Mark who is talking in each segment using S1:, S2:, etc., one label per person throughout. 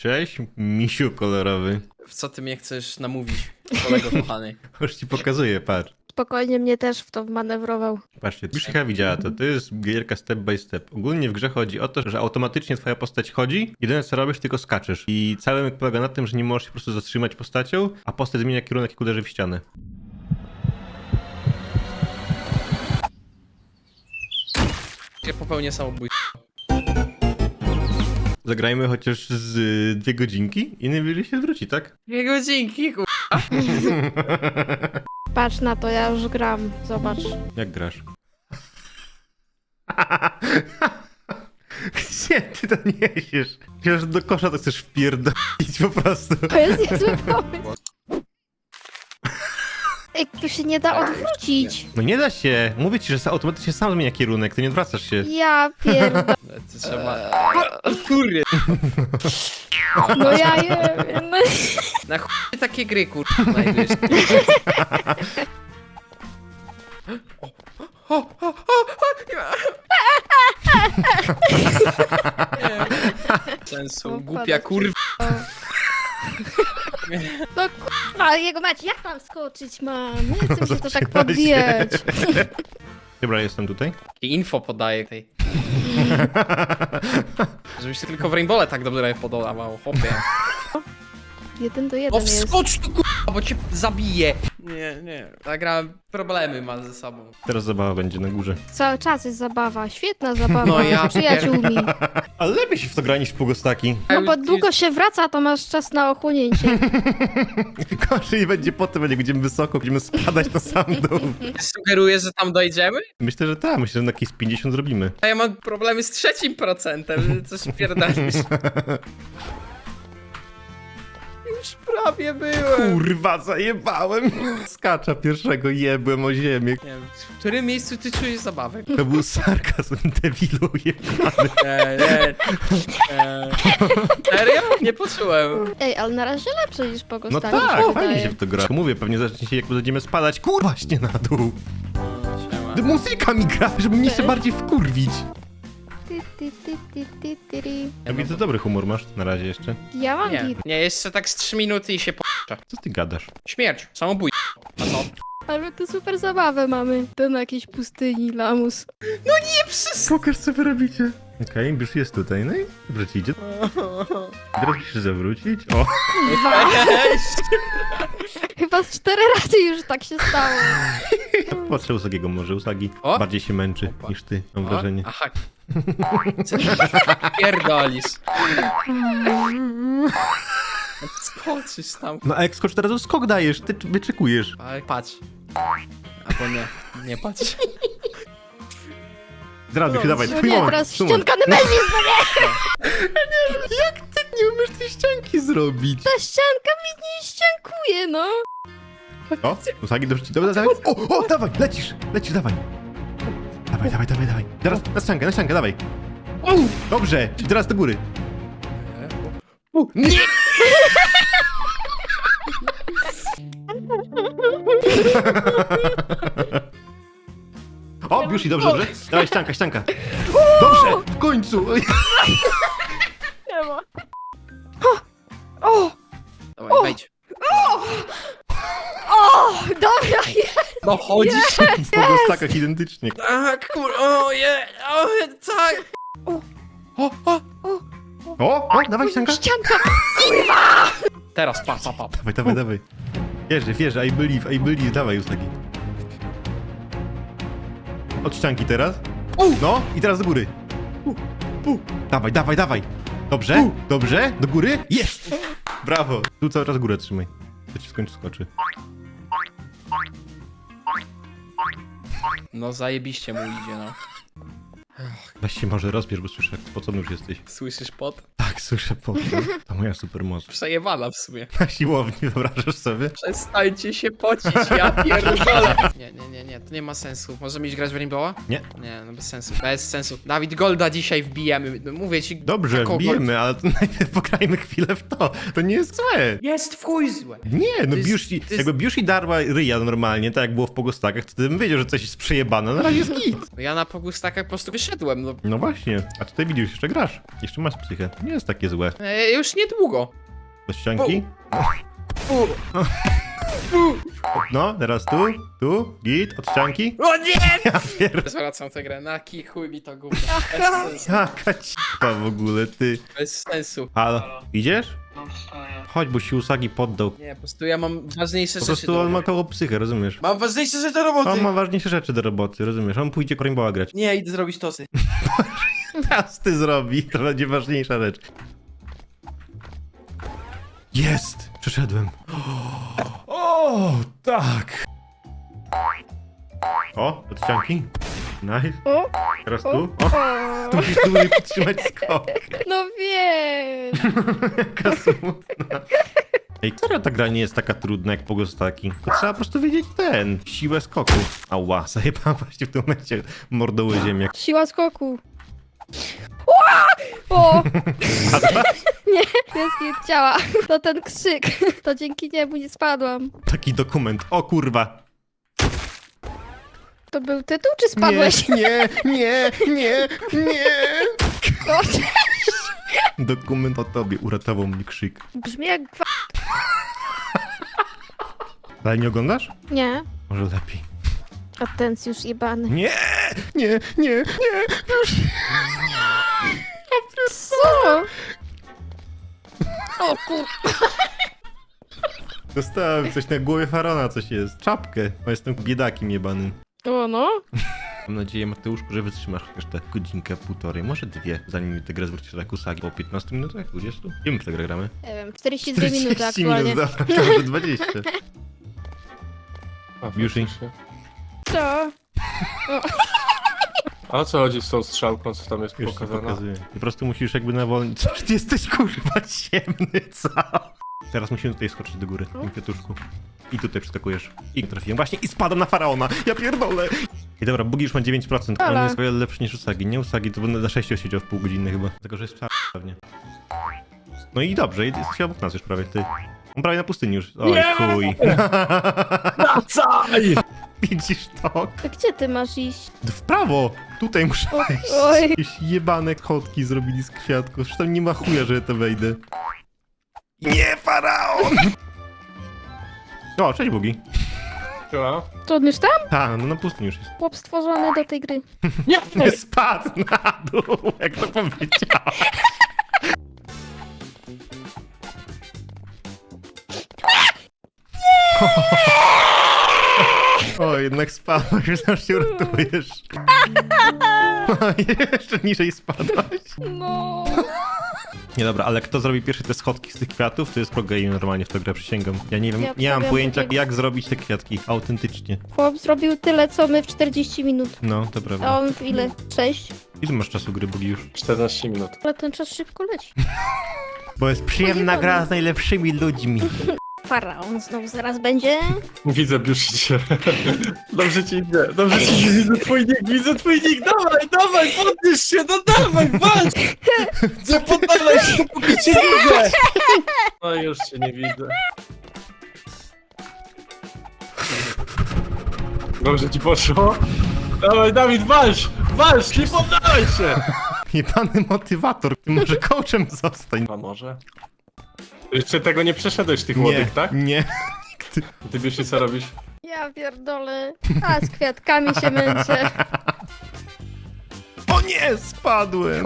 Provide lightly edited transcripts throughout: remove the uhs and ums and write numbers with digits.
S1: Cześć, misiu kolorowy.
S2: W co ty mnie chcesz namówić, kolego kochany?
S1: Już ci pokazuję, patrz.
S3: Spokojnie mnie też w to wmanewrował.
S1: Patrzcie, już chyba widziała to. To jest gierka step by step. Ogólnie w grze chodzi o to, że automatycznie twoja postać chodzi, jedyne co robisz, tylko skaczesz. I cały myk polega na tym, że nie możesz się po prostu zatrzymać postacią, a postać zmienia kierunek, jak uderzy w ścianę.
S2: Ja popełnię samobójstwo.
S1: Zagrajmy chociaż z 2 godzinki i najwyżej się zwróci, tak?
S2: 2 godzinki,
S3: Patrz na to, ja już gram. Zobacz.
S1: Jak grasz? Gdzie ty to niesiesz? Przecież do kosza to chcesz wpierdolić po prostu.
S3: To jest niezły pomysł. Ej, tu się nie da odwrócić.
S1: No nie da się. Mówię ci, że automatycznie sam zmienia kierunek, ty nie odwracasz się.
S3: Ja pierdolę.
S2: To trzeba... Kurde.
S3: No ja nie wiem. No.
S2: Na chuj takie gry, znajdujesz. Sensu, głupia kurwa.
S3: No kurwa, jego mać, jak mam skoczyć, mam? Nie chcę mi się to tak podbijać.
S1: Dobra, jestem tutaj.
S2: I info podaję tej. Żebyś się tylko w Rainbowle tak dobrze podawał, chłopie.
S3: 1-1
S2: No
S3: jest.
S2: wskocz tu kurwa, bo cię zabiję. Nie. Ta gra problemy ma ze sobą.
S1: Teraz zabawa będzie na górze.
S3: Cały czas jest zabawa, świetna zabawa
S2: No ja
S3: z przyjaciółmi.
S1: Ale lepiej się w to gra niż w Pugostaki.
S3: No bo długo się wraca, to masz czas na ochłonięcie.
S1: Gorzej będzie potem, jak będziemy wysoko, będziemy spadać na sam dół.
S2: Sugerujesz, że tam dojdziemy?
S1: Myślę, że tak. Myślę, że na jakieś 50 zrobimy.
S2: A ja mam problemy z 3%, coś pierdolisz. Już prawie byłem.
S1: Kurwa, zajebałem. Skacza pierwszego, jebłem o ziemię.
S2: Nie wiem, w którym miejscu ty czujesz zabawę?
S1: To był sarkazm, debilu jebany.
S2: Nie. Serio? Nie poczułem.
S3: Ej, ale na razie lepsze niż
S1: No
S3: Pogostaki.
S1: tak, fajnie się w to gra. Mówię, pewnie zacznie się, jak będziemy spadać. Kurwa, właśnie na dół.
S2: Siema.
S1: Muzyka mi gra, żeby mnie jeszcze bardziej wkurwić. Ja widzę, dobry humor masz na razie jeszcze.
S3: Ja mam git.
S2: Nie, jeszcze tak z 3 minuty i się
S1: Co ty gadasz?
S2: Śmierć, samobójstwo. A co?
S3: Ale to super zabawę mamy. To na jakiejś pustyni, lamus.
S2: Nie przez...
S1: Pokaż, co wy robicie. Okej, już jest tutaj, no i dobrze ci idzie. Teraz musisz się zawrócić. O,
S3: Chyba z 4 razy już tak się stało.
S1: patrzę Usagiego może. Usagi
S2: O!
S1: bardziej się męczy niż ty, mam wrażenie.
S2: Aha. Co ty pierdolisz? Skoczysz tam.
S1: No a jak skocz teraz, to skok dajesz, ty wyczekujesz.
S2: Ale patrz. Albo nie patrz.
S1: Zdraduj się, dawaj,
S3: No
S1: twój
S3: nie,
S1: moment.
S3: teraz
S1: twój moment.
S3: ścianka Nemezis, no nie!
S1: Jak ty nie umiesz tej ścianki zrobić?
S3: Ta ścianka mi nie ściankuje, no.
S1: O, Usagi, dobrze ci, dobra, dawaj. O, dawaj, lecisz, dawaj. Dawaj. Teraz na ściankę, dawaj. Dobrze, i teraz do góry. Nie! O, już i dobrze. Dawaj, ścianka. Dobrze, w końcu.
S3: Nie ma. O!
S2: Dawaj, wejdź.
S3: O! Dobra, jest!
S2: No chodzisz.
S1: W pogostakach identycznie.
S2: Tak, tak.
S1: O, dawaj, ścianka.
S3: Ścianka!
S2: Teraz, pa.
S1: Dawaj. Wierzę, I believe, dawaj, Usagi. Od ścianki teraz. No, i teraz do góry. Dawaj. Dobrze, do góry. Jest! Brawo. Tu cały czas górę trzymaj. To ci w końcu skoczy.
S2: No zajebiście mu idzie, no.
S1: Weź się może rozbierz, bo słyszę, jak spocony już jesteś.
S2: Słyszysz pot?
S1: Tak, słyszę po To moja supermoc.
S2: Przejebana w sumie.
S1: Na siłowni, wyobrażasz sobie?
S2: Przestańcie się pocić, ja pierdolę. Nie, to nie ma sensu. Możemy iść grać w Rainbowa?
S1: Nie.
S2: Nie, no bez sensu. Dawid Golda dzisiaj wbijemy. No, mówię ci.
S1: Dobrze,
S2: taką
S1: bijemy, ale to najpierw pograjmy chwilę w to. To nie jest złe.
S2: Jest w chuj złe.
S1: Nie, no
S2: jest-
S1: Biushi,
S2: to jest-
S1: jakby Biushi darła ryja normalnie, tak jak było w Pogostakach, to bym wiedział, że coś jest przejebane, na razie jest git.
S2: Ja na pogustakach po prostu wyszedłem, no.
S1: No właśnie, a tutaj widzisz, jeszcze grasz. Jeszcze masz psychę. Nie, jest takie złe.
S2: Już niedługo.
S1: Do ścianki?
S2: U.
S1: No, teraz tu, git, od ścianki.
S2: O nie!
S1: Ja pierdolę.
S2: Zwracam tę grę, na kij chuj mi to gówno.
S3: Aha.
S2: Bez sensu.
S1: Jaka cipa w ogóle, ty.
S2: Bez sensu.
S1: Halo, idziesz?
S4: No wstaję.
S1: Chodź, bo się Usagi poddał.
S2: Nie, po prostu ja mam ważniejsze
S1: Po
S2: rzeczy
S1: prostu
S2: do
S1: on ma
S2: roboty.
S1: koło psychę, rozumiesz?
S2: Mam ważniejsze rzeczy do roboty!
S1: On ma ważniejsze rzeczy do roboty, rozumiesz? On pójdzie Rainbowa grać.
S2: Nie, idę zrobić tosy.
S1: Teraz ty zrobi, to będzie ważniejsza rzecz. Jest! Przeszedłem. O, tak! O, od ścianki. Nice.
S3: O,
S1: Teraz
S3: o,
S1: tu. O, tu musisz dłużej podtrzymać skok.
S3: no wiem.
S1: Jaka smutna. Ej, serio ta gra nie jest taka trudna jak Pogostaki. To trzeba po prostu wiedzieć siłę skoku. Ała, zajebałam właśnie w tym momencie mordoły ziemiak.
S3: Siła skoku. Ła! O! Nie, jest ciała. To ten krzyk. To dzięki niemu nie spadłam.
S1: Taki dokument. O kurwa.
S3: To był tytuł, czy spadłeś?
S1: Nie.
S3: O,
S1: Dokument o tobie uratował mnie krzyk.
S3: brzmi jak
S1: Ale nie oglądasz?
S3: Nie.
S1: Może lepiej.
S3: Atencjusz jebany.
S1: Nie.
S3: Co? O kur...
S1: Dostałem coś na głowie Farona, coś jest. Czapkę. Bo jestem biedakiem jebanym.
S3: O no.
S1: Mam nadzieję, Mateuszku, że wytrzymasz chociaż tę godzinkę, półtorej, może dwie, zanim tę grę zwrócisz jak Usagi. Po 15 minutach? 20? Ile my w tę grę gramy?
S3: Nie wiem, 42 minuty
S1: 40
S3: aktualnie.
S1: minut, dobra, może 20. Yushi.
S3: Co?
S4: A o co chodzi z tą strzałką, co tam jest
S1: Już ci
S4: pokazane?
S1: pokazuję. Po prostu musisz jakby nawolnić. Co ty jesteś kurwa ciemny, co? Teraz musimy tutaj skoczyć do góry, tym kwiatuszku. I tutaj przeskakujesz. I trafiłem właśnie i spadam na Faraona. Ja pierdolę. I dobra, Bugi już ma 9%. On
S3: Ale.
S1: jest o wiele lepszy niż Usagi. Nie Usagi, to będę na 6 siedział w pół godziny chyba. Tylko, że jest czas pewnie. No i dobrze, jesteś obok nas już prawie, ty. On prawie na pustyni już. Oj, chuj.
S4: Wracaj!
S1: Widzisz to?
S3: To gdzie ty masz iść?
S1: W prawo! Tutaj muszę
S3: O,
S1: wejść.
S3: oj.
S1: Jakieś jebane kotki zrobili z kwiatków. Przecież tam nie ma chuja, że ja to wejdę. Nie, Faraon! O, cześć Bugi.
S4: Siema.
S3: To on już tam?
S1: Tak, no na pustyni już jest.
S3: Chłop stworzony do tej gry.
S1: Nie spadł na dół, jak to powiedziałem. O, jednak spadłeś, myślałem, że się uratujesz. Jeszcze niżej spadłeś.
S3: No.
S1: Nie dobra, ale kto zrobi pierwszy te schodki z tych kwiatów, to jest pro game normalnie w tę grę, przysięgam. Ja nie wiem,
S3: Ja
S1: nie mam
S3: obstawiam
S1: pojęcia
S3: takiego.
S1: jak zrobić te kwiatki autentycznie.
S3: Chłop zrobił tyle, co my w 40 minut.
S1: No, to
S3: A
S1: prawda.
S3: on w ile? 6?
S1: Ile masz czasu gry, Bugi, już?
S4: 14 minut.
S3: Ale ten czas szybko leci.
S1: Bo jest przyjemna gra z najlepszymi ludźmi.
S3: Faraon znowu zaraz będzie.
S4: Widzę, biuszy cię. Dobrze ci idzie, dobrze ci idzie, widzę twój nick, dawaj, podnieś się, no dawaj, walcz! Nie poddawaj się, póki cię widzę! No już cię nie widzę. Dobrze ci poszło? Dawaj, Dawid, walcz, nie poddawaj się!
S1: Jebany motywator, ty może coachem zostań.
S4: A może? Jeszcze tego nie przeszedłeś, tych młodych, tak?
S1: Nie.
S4: Ty biuszy, co robisz?
S3: Ja pierdolę. A z kwiatkami się męczę.
S1: O nie, spadłem.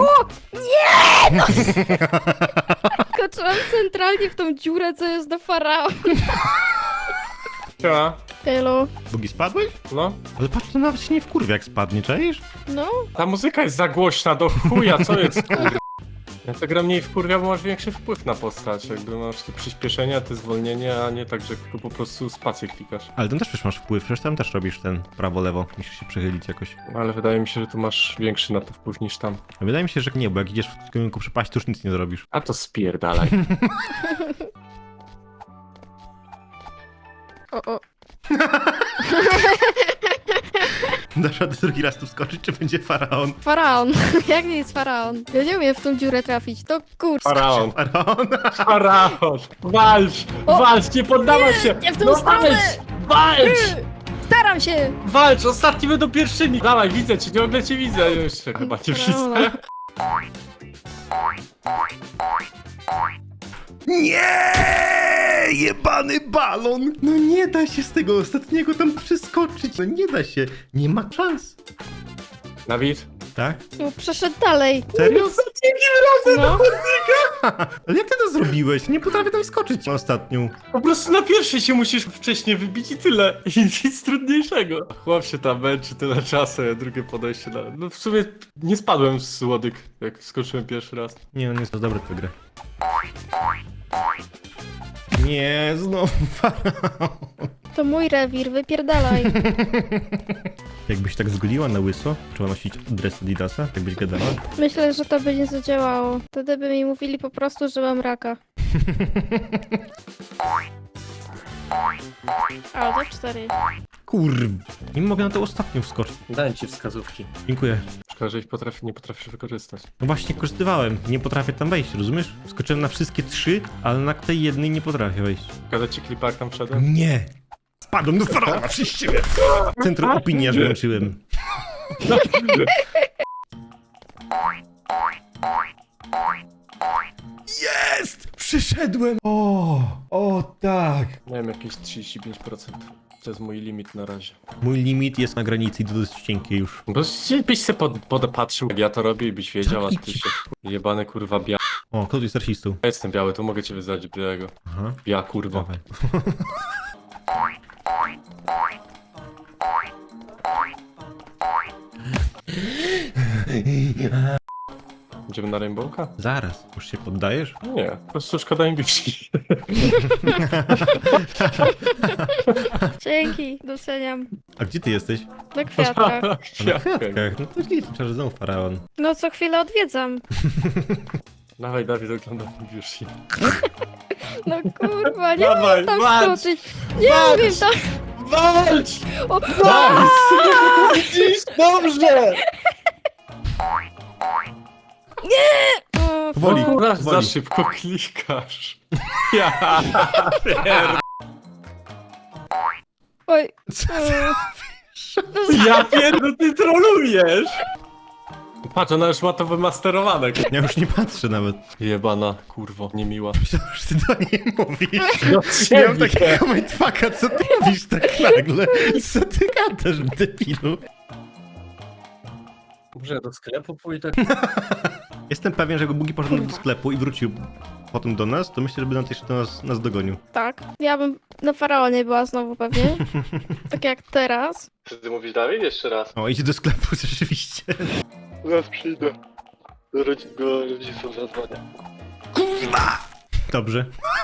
S3: Skoczyłam centralnie w tą dziurę, co jest do faraona.
S4: Siema.
S3: Elo.
S1: Bugi, spadłeś?
S4: No.
S1: Ale patrz, to nawet się nie wkurwia jak spadnie, czaisz?
S3: No.
S4: Ta muzyka jest za głośna do chuja, co jest kur... Ja to gra mniej wkurwia, bo masz większy wpływ na postać. Jakby masz te przyspieszenia, te zwolnienia, a nie tak, że tylko po prostu spację klikasz.
S1: Ale tam też przecież masz wpływ, przecież tam też robisz ten prawo-lewo, musisz się przechylić jakoś.
S4: Ale wydaje mi się, że tu masz większy na to wpływ niż tam.
S1: A wydaje mi się, że nie, bo jak idziesz w kierunku przepaści, to już nic nie zrobisz.
S4: A to spierdalaj.
S3: O.
S1: Dasz radę drugi raz tu wskoczyć, czy będzie Faraon?
S3: Faraon. Jak nie jest faraon? Ja nie umiem w tą dziurę trafić. To kurczę.
S4: Faraon.
S1: Faraon?
S4: Faraon! Walcz, nie poddawaj się!
S3: nie w tą
S4: no
S3: stronę!
S4: Walcz!
S3: Staram się.
S4: Walcz! Ostatni będą pierwszymi! Dawaj, widzę cię, ciągle cię widzę. Jeszcze chyba cię
S3: Faraona.
S4: widzę.
S1: Nie! Jebany balon! No nie da się z tego ostatniego tam przeskoczyć. No nie da się. Nie ma szans.
S4: Dawid?
S1: Tak?
S3: No, przeszedł dalej.
S1: Serio?
S3: No.
S1: Ale jak ty to zrobiłeś? Nie potrafię tam skoczyć na ostatnią.
S4: Po prostu na pierwszej się musisz wcześniej wybić i tyle. I nic trudniejszego. Chłop się tam męczy tyle czasu, a drugie podejście na... No w sumie nie spadłem z łodyg, jak skoczyłem pierwszy raz.
S1: Nie, on jest to dobry w tę grę. Nie, znowu faraon.
S3: To mój rewir, wypierdalaj.
S1: Jakbyś tak zgoliła na łyso, trzeba nosić dres Adidasa, tak byś gadała.
S3: Myślę, że to by nie zadziałało. Wtedy by mi mówili po prostu, że mam raka. A, to 4.
S1: Kurw, nie mogę na to ostatnią wskoczyć.
S4: Dałem ci wskazówki.
S1: Dziękuję.
S4: Szkoda, że ich nie potrafisz wykorzystać.
S1: No właśnie korzystywałem, nie potrafię tam wejść, rozumiesz? Skoczyłem na wszystkie 3, ale na tej jednej nie potrafię wejść.
S4: Kada ci klipa, jak tam wszedłem?
S1: Nie! Spadłem do faraona przez siebie! Centrum opinii aż włączyłem. Jest! Przyszedłem! O tak!
S4: Miałem jakieś 35%. To jest mój limit na razie.
S1: Mój limit jest na granicy i to dość cienkie już.
S4: Bo byś se podepatrzył, jak ja to robię i byś wiedział, a ty się jebany kurwa biała.
S1: O, kto tu jest rasistą?
S4: Ja jestem biały, to mogę cię wyzwać białego.
S1: Aha,
S4: Bia kurwa.
S1: dawaj.
S4: Idziemy na Rainbowka?
S1: Zaraz, już się poddajesz?
S4: Nie, po prostu szkoda im biwsi.
S3: Dzięki, doceniam.
S1: A gdzie ty jesteś?
S3: Na kwiatkach.
S1: A na kwiatkach. No to źle, to znowu faraon.
S3: No co chwilę odwiedzam.
S4: Dawaj, Dawid, oglądam biwsi.
S3: No kurwa, nie
S4: Dawaj,
S3: umiem tam
S4: walcz!
S3: skoczyć. Nie umiem tam...
S4: Walcz!
S3: O,
S4: Widzisz? Dobrze!
S3: o,
S1: Powoli,
S3: fu.
S4: Za
S1: powoli.
S4: szybko klikasz. Ja pier...
S3: Oj.
S4: Ja pierdolę, ty trolujesz! Patrz, ona już ma to wymasterowane.
S1: Ja już nie patrzę nawet.
S4: Jebana, kurwo, niemiła.
S1: Myślałem, że ty do niej mówisz.
S4: No
S1: Miałem takiego mindfucka, co ty mówisz tak nagle? Co ty gadasz, debilu?
S4: Może ja do sklepu pójdę?
S1: Jestem pewien, że jakby Bugi poszedł do sklepu i wrócił potem do nas, to myślę, że by nas jeszcze nas dogonił.
S3: Tak, ja bym na faraonie była znowu pewnie. Tak jak teraz.
S4: Czy ty mówisz Dawid? Jeszcze raz.
S1: O, idzie do sklepu rzeczywiście.
S4: Zaraz przyjdę. Do rodziców zadzwonię.
S1: Dobrze.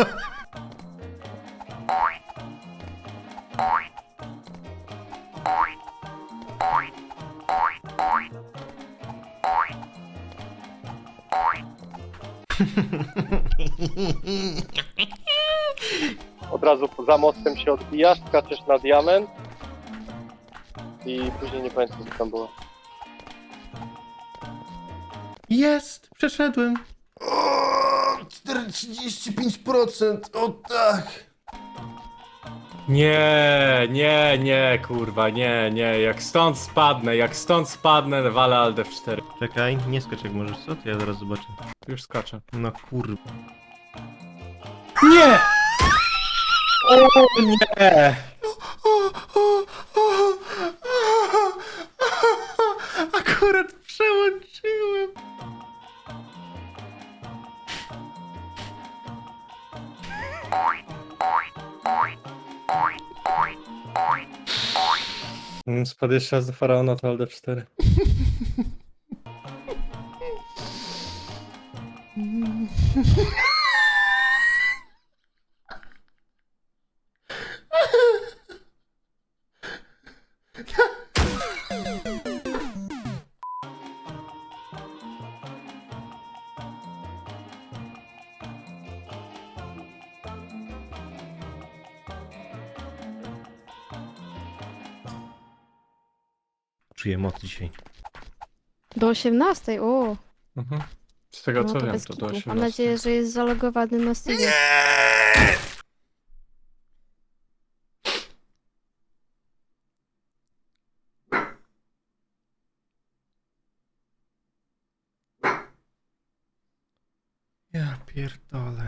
S5: Od razu za mostem się odbijasz, skaczesz na diament i później nie pamiętam co tam było.
S1: Jest! Przeszedłem! O, 35%! O tak!
S4: Nie, kurwa, nie. Jak stąd spadnę, walę Alt F4.
S1: Czekaj, nie skacz jak możesz, co? To ja zaraz zobaczę.
S4: Już skaczę.
S1: No kurwa.
S4: Nie! O nie!
S1: Akurat przełączyłem.
S4: Spadł jeszcze raz do Faraona, to Alt F4.
S1: Czuję moc dzisiaj.
S3: Do 18, o.
S4: Z tego
S3: No
S4: co
S3: to
S4: wiem,
S3: bez
S4: to
S3: kitu.
S4: do 18.
S3: Mam nadzieję, że jest zalogowany na Steamie.
S1: pierdolę.